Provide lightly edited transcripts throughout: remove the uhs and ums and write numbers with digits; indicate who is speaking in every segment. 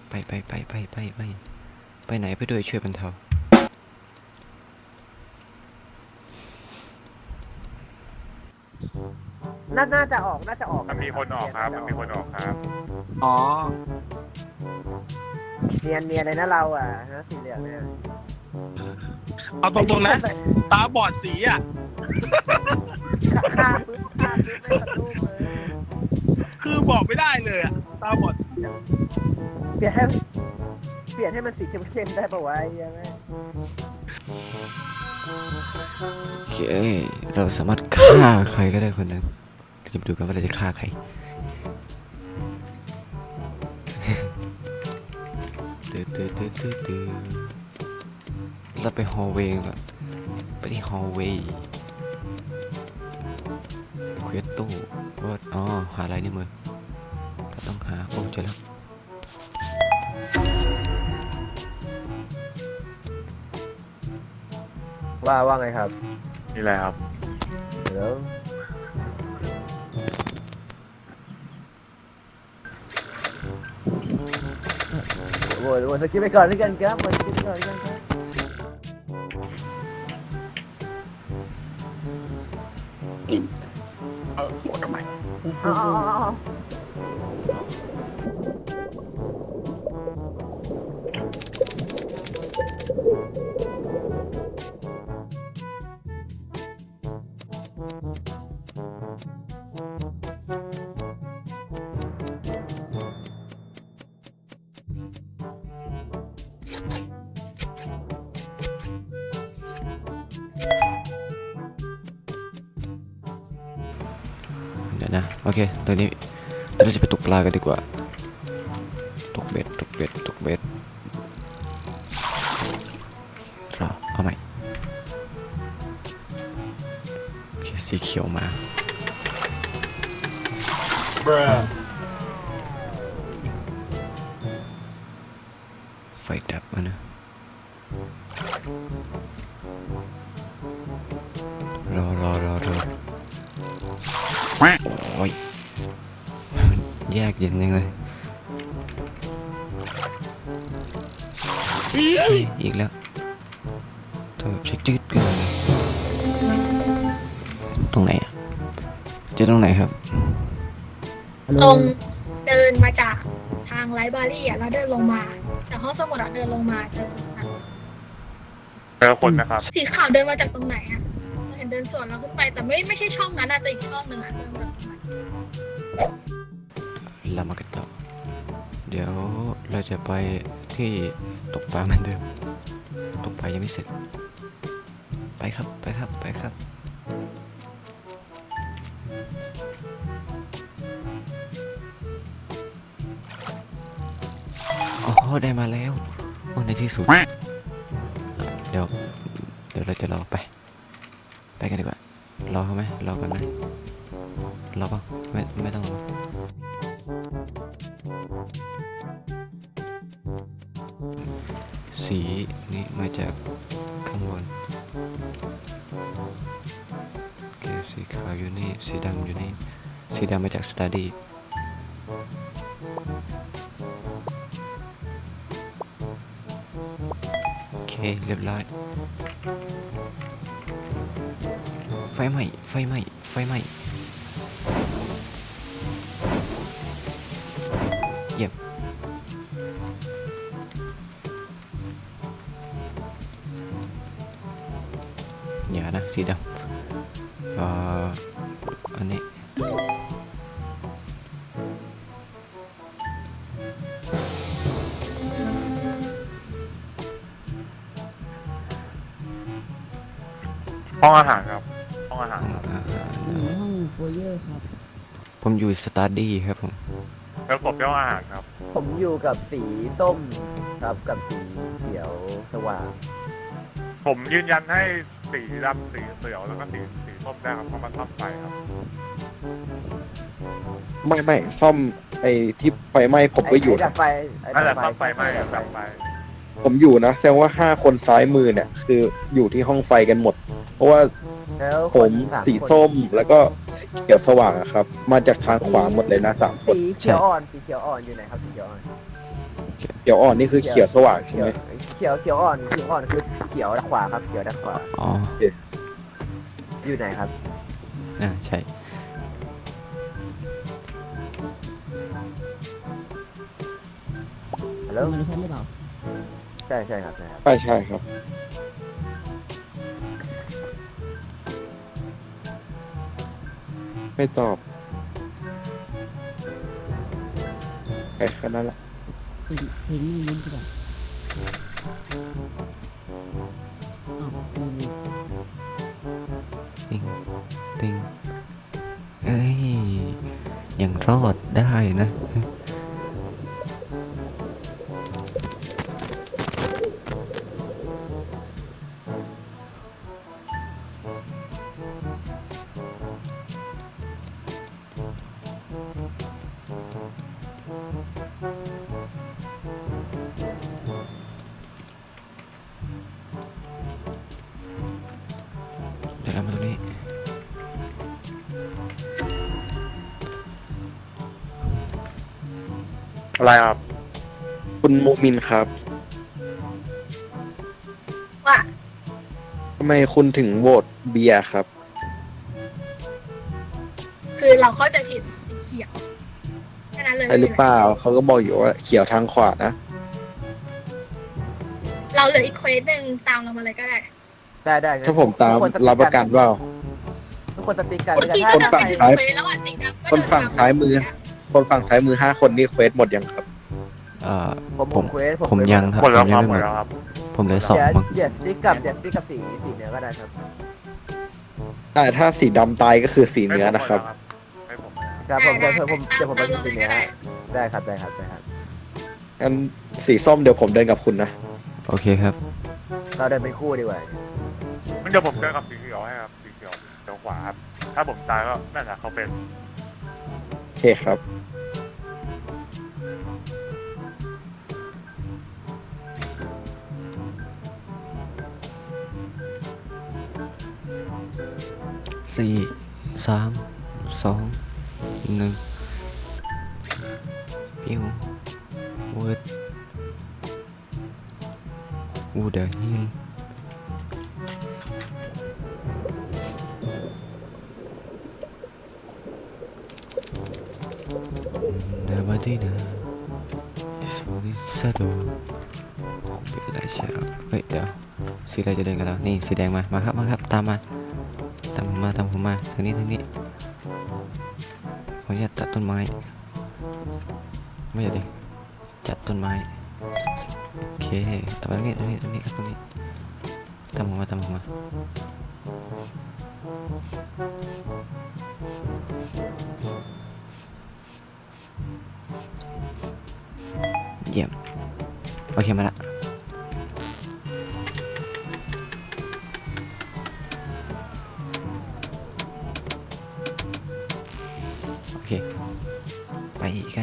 Speaker 1: ไปไหนไปด้วยช่วยบรรเทา
Speaker 2: น่าจะออก
Speaker 3: มันมีคนออกครับ
Speaker 4: อ๋อ
Speaker 2: เนียนเลยนะเราอ่ะนะสีเหลืองเนี่ย
Speaker 4: เอาตรงๆนะตาบอดสีอ่ะ
Speaker 2: ฆ่าปึ๊บไม่สะดุ้งเลย
Speaker 4: คือบอกไม่ได้เลยอ่ะตาบอดสีอะ
Speaker 2: เปลี่ยนให้มันสีเข้มๆได้ปะวะไอ้เหี้ยังไง
Speaker 1: โอเคเราสามารถฆ่าใครก็ได้คนหนึ่งจะมาดูกันว่าเราจะฆ่าใครเราไปฮอลเวย์ก่อนไปที่ฮอลเวย์เควสตู้ว่าอ๋อหาอะไรในมือเราต้องหาโอ้เจอแล้ว
Speaker 2: ว่าไงครับ
Speaker 3: นี่แหละครับ
Speaker 2: เดี๋ยวโหสกิปไปก่อนด้วยกันครับสกิปไปก่อนด้วยกันครับเอา
Speaker 1: เดี๋ยวนะโอเคตอนนี้เราจะไปตกปลากันดีกว่าตกเบ็ดรอเอาใหม่โอเคสีเขียวมาไฟดับมานะรอโอ้ยแยกเย็นยังเลยอีกแล้วเธอเช็คจืดเกินตรงไหนอ่ะเจอตรงไหนครับ
Speaker 5: ตรงเดินมาจากทางไลฟ์บรารีอ่ะแล้วเดินลงมาจากห้องสมุดอ่ะเดินลงมาเจอตรงนั้น
Speaker 3: เจอคนนะครับ
Speaker 5: สีขาวเดินมาจากตรงไหนอ่ะเราเห็นเดินสวนเราขึ้นไปแต่ไม่ใช่ช่องนั้นอ่ะแต่อีกช่องหนึ่งอ่ะเดินมาจากตรงนั้น
Speaker 1: เรามากันต่อเดี๋ยวเราจะไปที่ตกปลาเหมือนเดิมตกปลายังไม่เสร็จไปครับโอ้โหได้มาแล้วโอ้ในที่สุดเดี๋ยวเราจะรอไปกันดีกว่ารอเขาไหมรอกันไหมรอป่ะไม่ต้องรอสีนี่มาจากข้างบนโอเคสีขาวอยู่นี่สีดำอยู่นี่สีดำมาจากสตาร์ดี้โอเคเรียบร้อยไฟไหม้เยี่ยมอย่านะสีดำอันนี้
Speaker 3: ห้องอาหารครับ ห้องอาหารครับ
Speaker 6: ห้องโฟเยอร์ครับ
Speaker 1: ผมอยู่สตาร์ดี้ครับผม
Speaker 3: เจอศพที่ห้องอาหารครับ
Speaker 2: ผมอยู่กับสีส้มครับกับสีเขียวสว่าง
Speaker 3: ผมยืนยันให้สีดำสีเขียวแล้วก็สีส้มได้ครับเพราะมันซ่อมไฟครับ
Speaker 7: ไม่ซ่อมไอ้ที่ไฟไหม้ผมก็อยู่
Speaker 2: ไอ้ดั
Speaker 7: นะ
Speaker 2: บไฟ
Speaker 3: นั่นแหละซ่อมไฟไหม้ครับดับไฟ
Speaker 7: ผมอยู่นะแสดงว่า5 คนซ้ายมือเนี่ยคืออยู่ที่ห้องไฟกันหมด เพราะว่า
Speaker 2: แล้ว
Speaker 7: ผมสีส้มแล้วก็สีเขียวสว่างอะครับ มาจากทางขวาหมดเลยนะ3 คน
Speaker 2: สีเขียวอ่อนอยู่ไหนครับสีเขียวอ่อน
Speaker 1: โอเค
Speaker 7: เขียวอ่อนนี่คือเขียวสว่างใช่ไหม
Speaker 2: เขียวอ่อนคือเขียวด้านขวาครับเขียวด้านขวา
Speaker 1: อ๋อ
Speaker 2: อยู่ไหนครับ
Speaker 1: ใช่
Speaker 2: ฮัลโหล
Speaker 6: มันใช่หรือเปล่า
Speaker 2: ใช่ครับใช่ครับ
Speaker 7: ใช่ครับ ไม่ตอบไปแค่นั้นแหละ
Speaker 6: เพลงนี้ลุ้นดีกว่าอ้าวมี
Speaker 1: ติงติงเอ้ยยังรอดได้นะ เดี๋ยวเรามาตรงนี้
Speaker 3: อะไรครับ
Speaker 7: คุณมุมินครับ
Speaker 5: ว่า
Speaker 7: ทำไมคุณถึงโหวตเบียร์ครับ
Speaker 5: คือเราเข้าใจผิดสีเขียวแค่นั้นเลย
Speaker 7: ใช่หรือเปล่าเขาก็บอกอยู่ว่าเขียวทางขวานะ
Speaker 5: เราเหลืออีกเควสหนึ่งตามเรามาเลยก็ได้
Speaker 2: ได้
Speaker 7: ถ้าผมตามรับประกันว่า
Speaker 2: ทุกคนสติ๊กกัน
Speaker 5: เมื่อกี้
Speaker 2: ถ้า
Speaker 5: ก็เดิน
Speaker 7: ฝั่
Speaker 5: ไป
Speaker 7: ง
Speaker 5: ถึง
Speaker 7: ซ้าย
Speaker 5: เควสแล้วอ่ะสีดำก็
Speaker 7: คนฝั่งซ้ายมือ คนฝั่งซ้ายมือ5 คนนี่เควสหมดยังครับ
Speaker 2: ผมเควส
Speaker 1: ผมยังครับ
Speaker 3: หมดแล้ว
Speaker 1: ผม
Speaker 3: ค
Speaker 1: ยั
Speaker 3: รับ
Speaker 1: ง
Speaker 3: หม
Speaker 1: ไม่
Speaker 3: ด
Speaker 1: หมด
Speaker 3: แล้วครับ
Speaker 1: ผมเหลือ2มั้ง
Speaker 2: เดี๋ยวสติ๊กกับสีเนื้อก็ได้ครับ
Speaker 7: แต่ถ้าสีดำตายก็คือสีเนื้อนะครับ
Speaker 3: ให้ผม
Speaker 2: ครับผมเดี๋ยวผมไปดูสีเนื้อได้ครับ
Speaker 7: งั้นสีส้มเดี๋ยวผมเดินกับคุณนะ
Speaker 1: โอเคครับ
Speaker 2: เราเดินเป็นคู่ดีกว่า
Speaker 3: มันเดี๋ยวผมเจอกับสีเขียวให้ครับสีเขียวเดี๋ยวขวาครับถ้าผมตายก็น่าจะเขาเป็น
Speaker 7: โอเคครับ
Speaker 1: 4 3 2 1ปิ้วเวิร์ดอูเดอร์ฮิลเดอร์บัดดี้เดอร์สโนิสโดเป็นไรเชียวเฮ้ยเดี๋ยวสีอะไรจะเดินกันแล้วนี่สีแดงมาครับตามผมมาทางนี้ขออนุญาตตัดต้นไม้ไม่ใช่ดิจัดต้นไม้โอเคตรงนี้ครับตรงนี้ตามผมมาเยี่ยมโอเคมาละโอเคไปกัน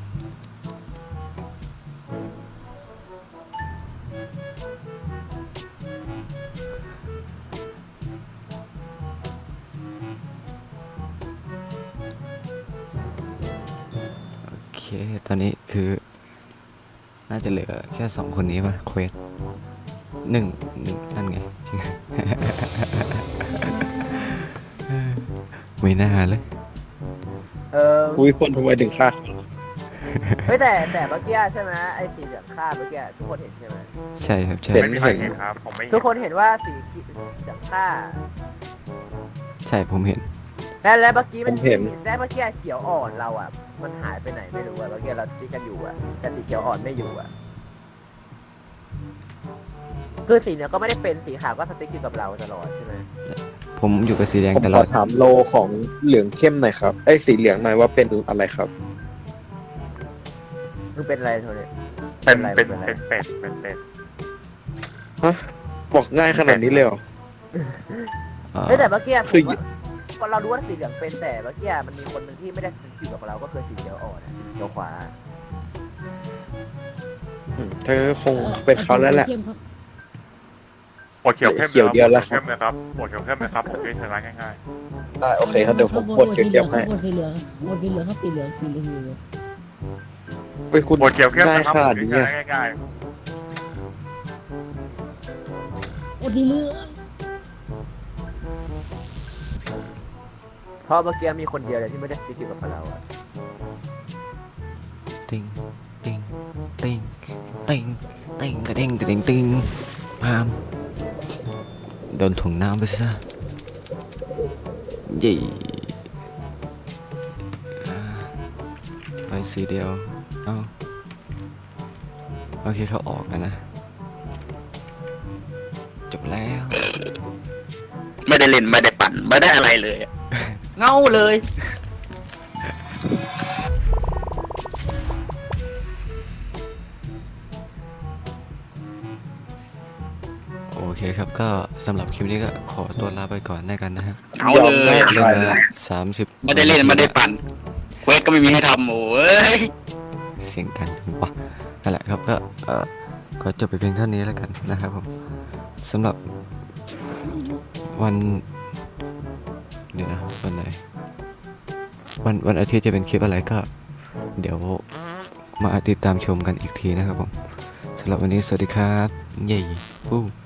Speaker 1: โอเค ตอนนี้คือ น่าจะเหลือแค่2 คนนี้ป่ะเควสหนึ่งนั่นไงจริง ไม่น่าเลย
Speaker 7: อุ้ยคนทำไมถึงฆ่า
Speaker 2: เฮ้ยแต่เมื่อกี้ใช่ไหมไอ้สีเหลืองฆ่าเมื่อกี้ทุกคนเห็นใช่ไหม
Speaker 1: ใช่ครับใช่
Speaker 3: ไม่มีใครเห็นครับผมไม่เห็น
Speaker 2: ทุกคนเห็นว่าสีเหลืองฆ่า
Speaker 1: ใช่ผมเห็น
Speaker 2: แล้วเมื่อกี้มัน
Speaker 7: ผมเห็น
Speaker 2: ได้เมื่อกี้เขียวอ่อนเราอ่ะมันหายไปไหนไม่รู้อ่ะเมื่อกี้เราสติ๊กกันอยู่อ่ะแต่สีเขียวอ่อนไม่อยู่อ่ะคือสีเนี่ยก็ไม่ได้เป็นสีขาวก็สติ๊กอยู่กับเราตลอดใช่ไหม
Speaker 1: ผมอยู่กับสีแดง
Speaker 7: ผม
Speaker 1: ต
Speaker 7: ข
Speaker 1: ลอ
Speaker 7: อ
Speaker 1: ด
Speaker 7: ถามโลของเหลืองเข้มหน่อยครับไอ้ยสีเหลืองหน่อยว่าเป็นอะไรครับ
Speaker 2: มึงเป็นอะไรโทนี่
Speaker 3: เป็น
Speaker 2: อะไร
Speaker 3: เป็ด
Speaker 7: ฮะ บอกง่ายขนาดนี้เลยเหรอ
Speaker 2: เฮ้ยแต่เมื่อกี้
Speaker 7: คือ
Speaker 2: ก็เรารู้ว่าสีเหลืองเป็นแต่เมื่อกี้มันมีคนหนึ่งที่ไม่ได้อยู่กับเราก็คือสีเขียวอ่อนเขียวขวา
Speaker 7: เธอคงเป็นเขาแล้วแหละ
Speaker 6: เข้มครับ
Speaker 3: ปวดเขียวเข้ม
Speaker 7: เขียวเดียวแล้วครับ
Speaker 3: เข้มเลยครับปวดเขียวเข้มเลยครับผมจะชนะง่าย
Speaker 7: ได้โอเคครับเดี๋ยวผมกดเขียวๆให้
Speaker 6: โหวตสีเหลืองครับสีเหลืองครับสีเหลือง
Speaker 7: ไปเป็นคุณ
Speaker 3: โหวตเกี่ยวแค่
Speaker 7: ง่าย
Speaker 3: นะครับ
Speaker 7: ขนาดนี้
Speaker 3: ง่
Speaker 7: อะ
Speaker 3: ายง่าย
Speaker 6: โอ้ดีเรื่อง
Speaker 2: เพราะเมื่อกี้มีคนเดียวเลยที่ไม่ได้เกี่ยวกับเราอะ
Speaker 1: ติงติงติงติงติงติงติงติงพามโดนถุงน้ำไปซะยี่ไปสีเดียวเอาโอเคเขาออกแล้วนะจบแล้ว
Speaker 4: ไม่ได้เล่นไม่ได้ปั่นไม่ได้อะไรเลยอะเงาเลย
Speaker 1: โอเคครับก็สำหรับคลิปนี้ก็ขอตัวลาไปก่อนแล้วกันนะฮะ
Speaker 4: เงาเลย
Speaker 7: ยอมแลก
Speaker 1: เวลา30
Speaker 4: ไม่ได้เล่นไม่ได้ปั่นเควสก็ไม่มีให้ทำโอ้ย
Speaker 1: เสียงกันปะนั่นแหละครับก็ก็จบไปเพียงเท่านี้แล้วกันนะครับผมสำหรับวันเดี๋ยวนะวันไหนวันอาทิตย์จะเป็นคลิปอะไรก็ เดี๋ยวมาติดตามชมกันอีกทีนะครับผมสำหรับวันนี้สวัสดีครับเย้ปู้